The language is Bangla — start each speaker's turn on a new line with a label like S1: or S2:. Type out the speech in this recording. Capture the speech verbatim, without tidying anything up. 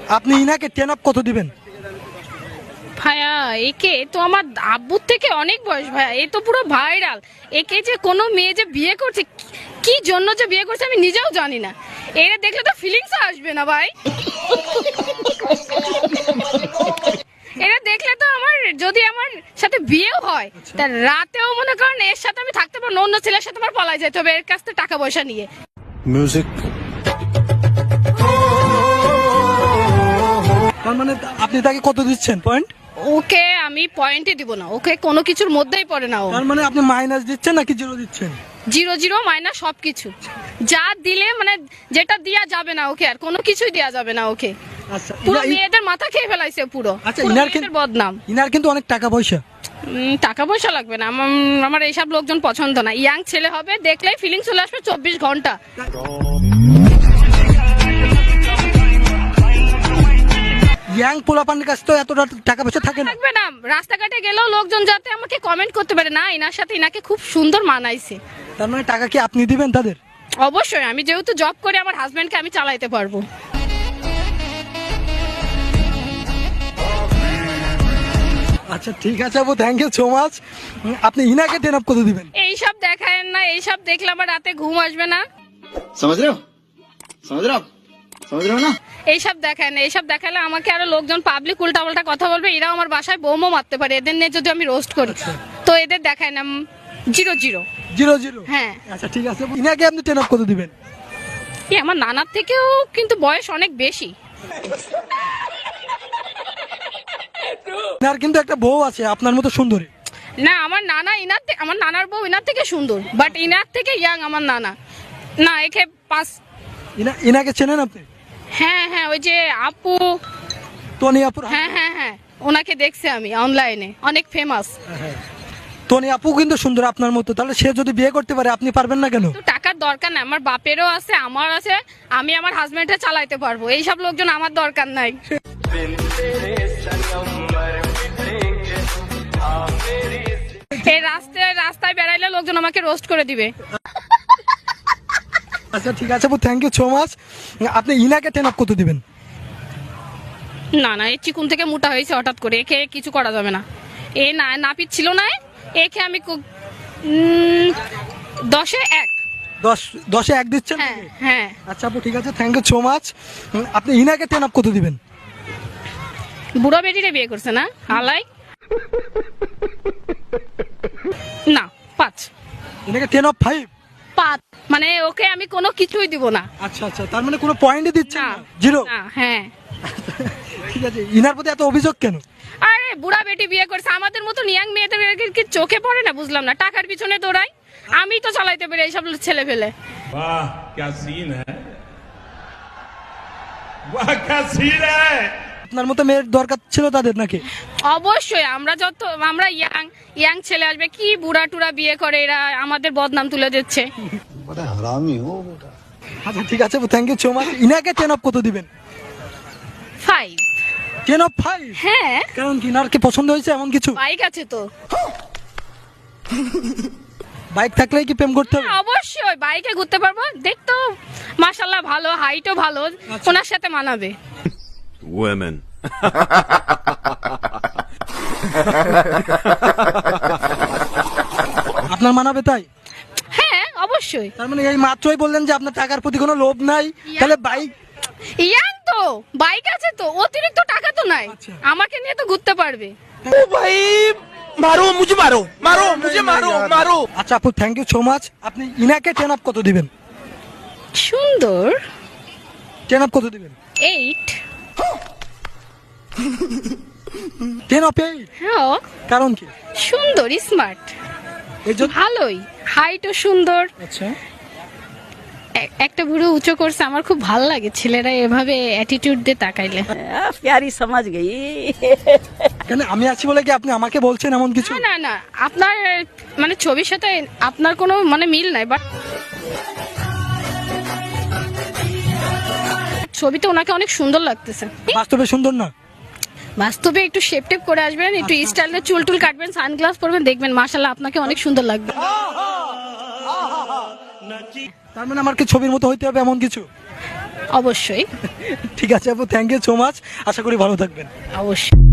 S1: আপনি ইনাকে টেন আপ কত দিবেন?
S2: ভাইয়া একে তো আমার আব্বুর থেকে অনেক বয়স ভাইয়া, এ তো পুরো ভাইরাল। একে যে কোনো মেয়ে যে বিয়ে করছে, কি জন্য যে বিয়ে করছে আমি নিজেও জানি না। এরা দেখলে তো ফিলিংস আসবে না ভাই। এরা দেখলে তো আমার, যদি আমার সাথে বিয়েও হয় তা রাতেও মনে করেন এর সাথে আমি থাকতে পারবো না, অন্য ছেলের সাথে আমার পলাই যেতে হবে এর কাছ থেকে টাকা পয়সা নিয়ে।
S1: মিউজিক। তার মানে আপনি তাকে কত দিচ্ছেন পয়েন্ট?
S2: ওকে আমি পয়েন্টই দিব না, ওকে কোনো কিছুর মধ্যেই পড়ে না ও।
S1: তার মানে আপনি মাইনাস দিচ্ছেন নাকি জিরো দিচ্ছেন?
S2: জিরো জিরো মাইনাস সবকিছু যা দিলে, মানে যেটা দেয়া যাবে না ওকে, আর কোনো কিছুই দেয়া যাবে না ওকে।
S1: আচ্ছা,
S2: পুরো
S1: ইনা-
S2: মেয়েদের মাথা খেয়ে ফেলাইছে পুরো।
S1: আচ্ছা,
S2: পুরো
S1: ইনার
S2: মেয়েদের
S1: কিন্তু-
S2: বদনাম।
S1: ইনার কিন্তু অনেক টাকা পয়সা।
S2: উম, টাকা পয়সা লাগবে না, আমার- আমার এইসব লোকজন পছন্দ না। ইয়াং ছেলে হবে, দেখলেই ফিলিং চলে আসবে চব্বিশ ঘন্টা।
S1: ইয়াং পোলাপানের কাছে তো এতটা টাকা পয়সা থাকে না।
S2: থাকবে না, রাস্তাঘাটে গেলেও লোকজন যাতে আমাকে কমেন্ট করতে পারে, না এনার সাথে ইনাকে খুব সুন্দর মানাইছে।
S1: তার মানে টাকা কি আপনি দিবেন তাদের?
S2: অবশ্যই, আমি যেহেতু জব করি আমার হাজবেন্ডকে আমি চালাইতে পারবো।
S1: আচ্ছা ঠিক আছে আপু, থ্যাংক ইউ সো মাচ। আপনি ইনাকে টেন আপ কত দিবেন?
S2: এইসব দেখায় না, এইসব দেখলে আমার রাতে ঘুম আসবে না।
S3: समझ रहे हो समझ रहे हो आप समझ रहे हो ना।
S2: এইসব দেখায় না, এইসব দেখালে আমাকে আরো লোকজন পাবলিক উল্টা পাল্টা কথা বলবে, এরাও আমার বাসায় বোমও মারতে পারে এদের নিয়ে যদি আমি রোস্ট করি। তো এদের দেখায় না। Zero zero.
S1: Zero zero?
S2: হ্যাঁ।
S1: আচ্ছা ঠিক আছে, ইনাকে আপনি টেন আপ কত দিবেন?
S2: এ আমার নানার থেকেও কিন্তু বয়স অনেক বেশি।
S1: ইনার কিন্তু একটা বউ আছে আপনার মতো সুন্দরী।
S2: না আমার নানা ইনার থে- আমার নানার বউ ইনার থেকে সুন্দর, বাট ইনার থেকে ইয়াং আমার নানা। না একে পাস।
S1: ইনা ইনাকে চেনেন আপনি?
S2: হ্যাঁ হ্যাঁ, ওই যে আপু।
S1: টনি আপুর?
S2: হ্যাঁ হ্যাঁ হ্যাঁ, ওনাকে দেখছি আমি অনলাইনে, অনেক ফেমাস।
S1: টনি আপু কিন্তু সুন্দর আপনার মতো, তাহলে সে যদি বিয়ে করতে পারে আপনি পারবেন না কেন?
S2: তো টাকার দরকার নাই, আমার বাপেরও আছে আমার আছে, আমি আমার হাজবেন্ডে চালাইতে পারবো। এইসব লোকজন আমার দরকার নাই। এই রাস্তায় রাস্তায় বেড়াইলে লোকজন আমাকে রোস্ট করে দিবে।
S1: আচ্ছা ঠিক আছে আপু, থ্যাংক ইউ সো মাচ। আপনি ইনাকে টেন আপ কত দিবেন?
S2: না না, এই চিকুন থেকে মোটা হয়েছে হঠাৎ করে, একে কিছু করা যাবে না। এ না নাপিত ছিল না, একে আমি কু- উম, দশে এক।
S1: দশ দশে এক দিচ্ছেন?
S2: হ্যাঁ হ্যাঁ।
S1: আচ্ছা আপু ঠিক আছে, থ্যাংক ইউ সো মাচ। আপনি ইনাকে টেন আপ কত দিবেন?
S2: বুড়ো বেটিরে বিয়ে করছে না আলাই। না পাঁচ।
S1: ইনাকে টেন অফ ফাইভ?
S2: পাঁচ মানে ওকে আমি কোনো কিছুই দিব না।
S1: আচ্ছা আচ্ছা, তার মানে কোনো পয়েন্টই দিচ্ছেন
S2: না
S1: না? জিরো?
S2: না, হ্যাঁ।
S1: ঠিক আছে, ইনার প্রতি এত অভিযোগ কেন?
S2: আরে বুড়া বেটি বিয়ে করছে, আমাদের মতো ইয়াং মেয়েদের কি চোখে পড়ে না? বুঝলাম না, টাকার পিছনে দৌড়াই, আমি তো চালাইতে পারি এইসব ছেলে ফেলে।
S4: वाह क्या सीन है वाह क्या सीन है।
S1: আপনার মতো মেয়ের দরকার ছিল তাদের নাকি?
S2: অবশ্যই, আমরা যত আমরা ইয়াং ইয়াং ছেলে আসবে, কি বুড়া টুরা বিয়ে করে, এরা আমাদের বদনাম তুলে দিচ্ছে।
S1: আচ্ছা ঠিক আছে, থ্যাংক ইউ সো মাচ। ইনাকে টেন অফ কত দিবেন?
S2: ফাইভ।
S1: Ten of five?
S2: হ্যাঁ,
S1: কারণ কি, ইনার কি পছন্দ হয়েছে এমন কিছু?
S2: বাইক আছে তো।
S1: বাইক থাকলেই কি প্রেম করতে হবে?
S2: অবশ্যই বাইকে ঘুরতে পারবো, দেখতো মাশাল্লাহ ভালো, হাইটও ভালো, ওনার সাথে মানাবে।
S5: Women.
S1: আপনার মানাবে তাই?
S2: হ্যাঁ অবশ্যই।
S1: তার মানে এই মাত্রই বললেন যে আপনার টাকার প্রতি কোনো লোভ নাই, তাহলে বাইক?
S2: ইয়াং তো, বাইক আছে তো, অতিরিক্ত টাকা তো নাই,
S1: আচ্ছা।
S2: আমাকে নিয়ে তো ঘুরতে পারবে।
S3: मारो मुझे मारो मारो मुझे मारो मारो।
S1: আচ্ছা আপু, থ্যাংক ইউ সো মাচ। আপনি ইনাকে টেন আপ কত দিবেন?
S2: সুন্দর।
S1: টেন আপ কত দিবেন?
S2: এইট।
S1: Ten of eight?
S2: হ্যাঁ,
S1: কারণ কি?
S2: সুন্দর, স্মার্ট,
S1: এই জন্য?
S2: ভালোই, হাইটও সুন্দর।
S1: আচ্ছা,
S2: এ- একটা বুড়ো উঁচু করছে, আমার খুব ভালো লাগে ছেলেরা এভাবে অ্যাটিটিউড দিয়ে তাকাইলে।
S6: प्यारी समझ गई।
S1: কেন আমি আছি বলে কি আপনি আমাকে বলছেন এমন কিছু?
S2: না না না, আপনার মানে ছবির সাথে আপনার কোনো মানে মিল নাই, বাট ছবিতে ওনাকে অনেক সুন্দর লাগতেছে।
S1: বাস্তবে সুন্দর না?
S2: বাস্তবে একটু শেপ টেপ করে আসবেন, একটু স্টাইলে চুল টুল কাটবেন, সানগ্লাস পরবেন, দেখবেন মাশাআল্লাহ আপনাকে অনেক সুন্দর লাগবে।
S1: তার মানে আমার কি ছবির মতো হইতে হবে এমন কিছু?
S2: অবশ্যই
S1: ঠিক আছে আপু, থ্যাংক ইউ সো মাচ, আশা করি ভালো থাকবেন।
S2: অবশ্যই।